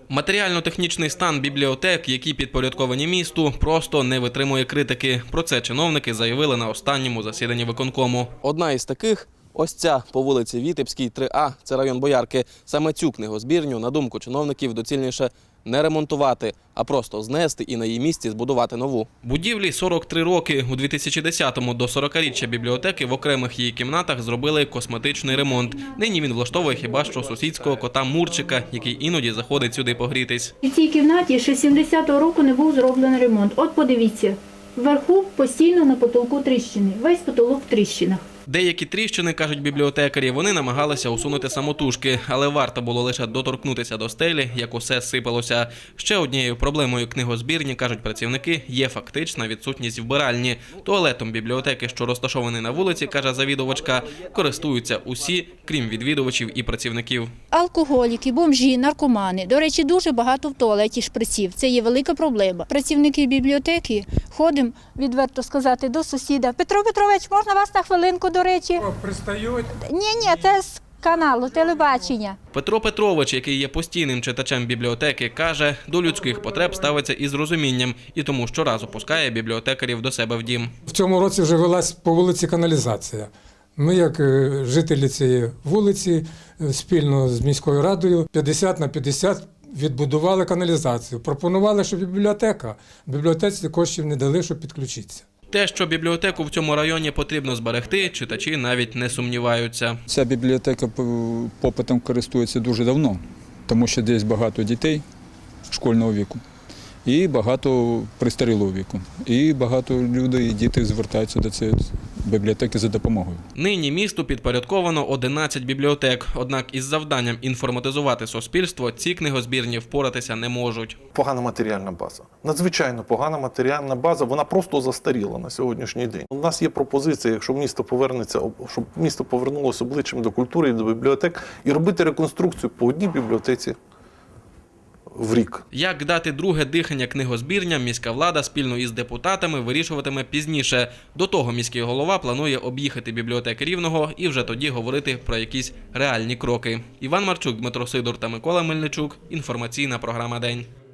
Матеріально-технічний стан бібліотек, які підпорядковані місту, просто не витримує критики. Про це чиновники заявили на останньому засіданні виконкому. Одна із таких – ось ця по вулиці Вітебській, 3А, це район Боярки. Саме цю книгозбірню, на думку чиновників, доцільніше не ремонтувати, а просто знести і на її місці збудувати нову. Будівлі 43 роки. У 2010-му до 40-річчя бібліотеки в окремих її кімнатах зробили косметичний ремонт. Нині він влаштовує хіба що сусідського кота Мурчика, який іноді заходить сюди погрітись. У цій кімнаті ще 70-го року не був зроблений ремонт. От подивіться, вверху постійно на потолку тріщини, весь потолок в тріщинах. Деякі тріщини, кажуть бібліотекарі, вони намагалися усунути самотужки, але варто було лише доторкнутися до стелі, як усе сипалося. Ще однією проблемою книгозбірні, кажуть працівники, є фактична відсутність вбиральні. Туалетом бібліотеки, що розташований на вулиці, каже завідувачка, користуються усі, крім відвідувачів і працівників. Алкоголіки, бомжі, наркомани. До речі, дуже багато в туалеті шприців. Це є велика проблема. Працівники бібліотеки ходимо, відверто сказати, до сусіда. Петро Петрович, можна вас на хвилинку, до речі? Пристають? Ні, це з каналу телебачення. Петро Петрович, який є постійним читачем бібліотеки, каже, до людських потреб ставиться із розумінням і тому щоразу пускає бібліотекарів до себе в дім. В цьому році вже велась по вулиці каналізація. Ми, як жителі цієї вулиці, спільно з міською радою 50 на 50 відбудували каналізацію. Пропонували, що бібліотеці коштів не дали, щоб підключитися. Те, що бібліотеку в цьому районі потрібно зберегти, читачі навіть не сумніваються. Ця бібліотека попитом користується дуже давно, тому що десь багато дітей школьного віку і багато пристарілого віку. І багато людей і діти звертаються до цієї бібліотеки за допомогою. Нині місту підпорядковано 11 бібліотек, однак із завданням інформатизувати суспільство ці книгозбірні впоратися не можуть. Погана матеріальна база. Надзвичайно погана матеріальна база, вона просто застаріла на сьогоднішній день. У нас є пропозиція, якщо місто повернеться, щоб місто повернулося обличчям до культури і до бібліотек, і робити реконструкцію по одній бібліотеці в рік. Як дати друге дихання книгозбірням, міська влада спільно із депутатами вирішуватиме пізніше. До того міський голова планує об'їхати бібліотеки Рівного і вже тоді говорити про якісь реальні кроки. Іван Марчук, Дмитро Сидор та Микола Мельничук. Інформаційна програма «День».